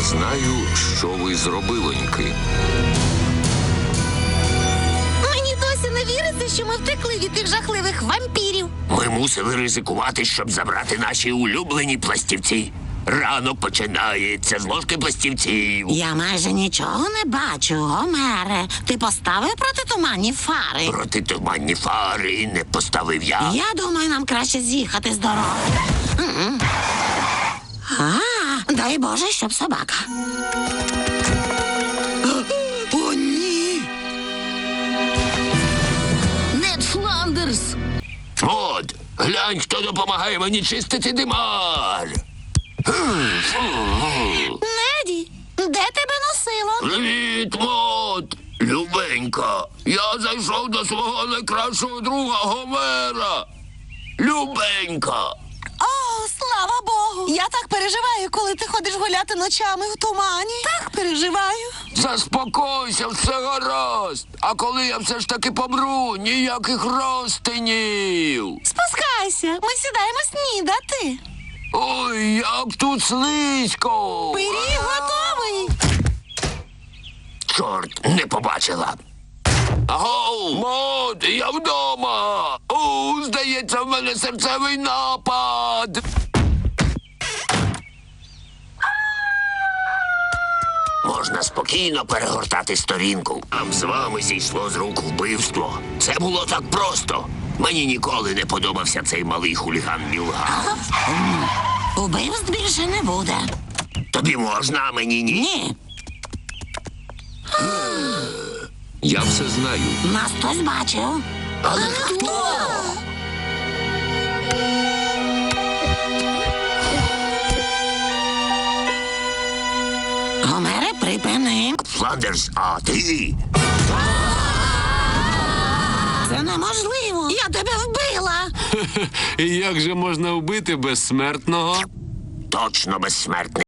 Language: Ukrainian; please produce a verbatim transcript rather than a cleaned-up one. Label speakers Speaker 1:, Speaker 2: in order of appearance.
Speaker 1: знаю, що ви зробиленьки.
Speaker 2: Мені досі не віриться, що ми втекли від тих жахливих вампірів.
Speaker 3: Ми мусили ризикувати, щоб забрати наші улюблені пластівці. Ранок починається з ложки пластівців.
Speaker 2: Я майже нічого не бачу, Гомере. Ти поставив протитуманні фари?
Speaker 3: Протитуманні фари не поставив я.
Speaker 2: Я думаю, нам краще з'їхати з дороги. М-м. А, дай Боже, щоб собака. О, ні! Нед Фландерс!
Speaker 3: От, глянь, хто допомагає мені чистити димар.
Speaker 2: Неді, де тебе носило?
Speaker 3: Привіт, Мот! Любенька, я зайшов до свого найкращого друга Гомера. Любенька.
Speaker 2: О, слава Богу! Я так переживаю, коли ти ходиш гуляти ночами в тумані. Так переживаю.
Speaker 3: Заспокойся, все гаразд. А коли я все ж таки помру, ніяких розтинів.
Speaker 2: Спускайся, ми сідаємо снідати.
Speaker 3: Ой, як тут слизько.
Speaker 2: Пиріг готовий.
Speaker 3: Чорт, не побачила. Агоу, Мот, я вдома. О, здається, в мене серцевий напад. Можна спокійно перегортати сторінку. Нам з вами зійшло з рук вбивство. Це було так просто. Мені ніколи не подобався цей малий хуліган Мілгав.
Speaker 2: Убивств більше не буде.
Speaker 3: Тобі можна, а мені ні.
Speaker 2: Ні,
Speaker 1: Я все знаю.
Speaker 2: нас хтось бачив.
Speaker 3: Але хто?
Speaker 2: Гомере, припини.
Speaker 3: Фландерс, а ти?
Speaker 2: Це неможливо. Я тебе вбила.
Speaker 1: Як же можна вбити безсмертного?
Speaker 3: Точно безсмертний.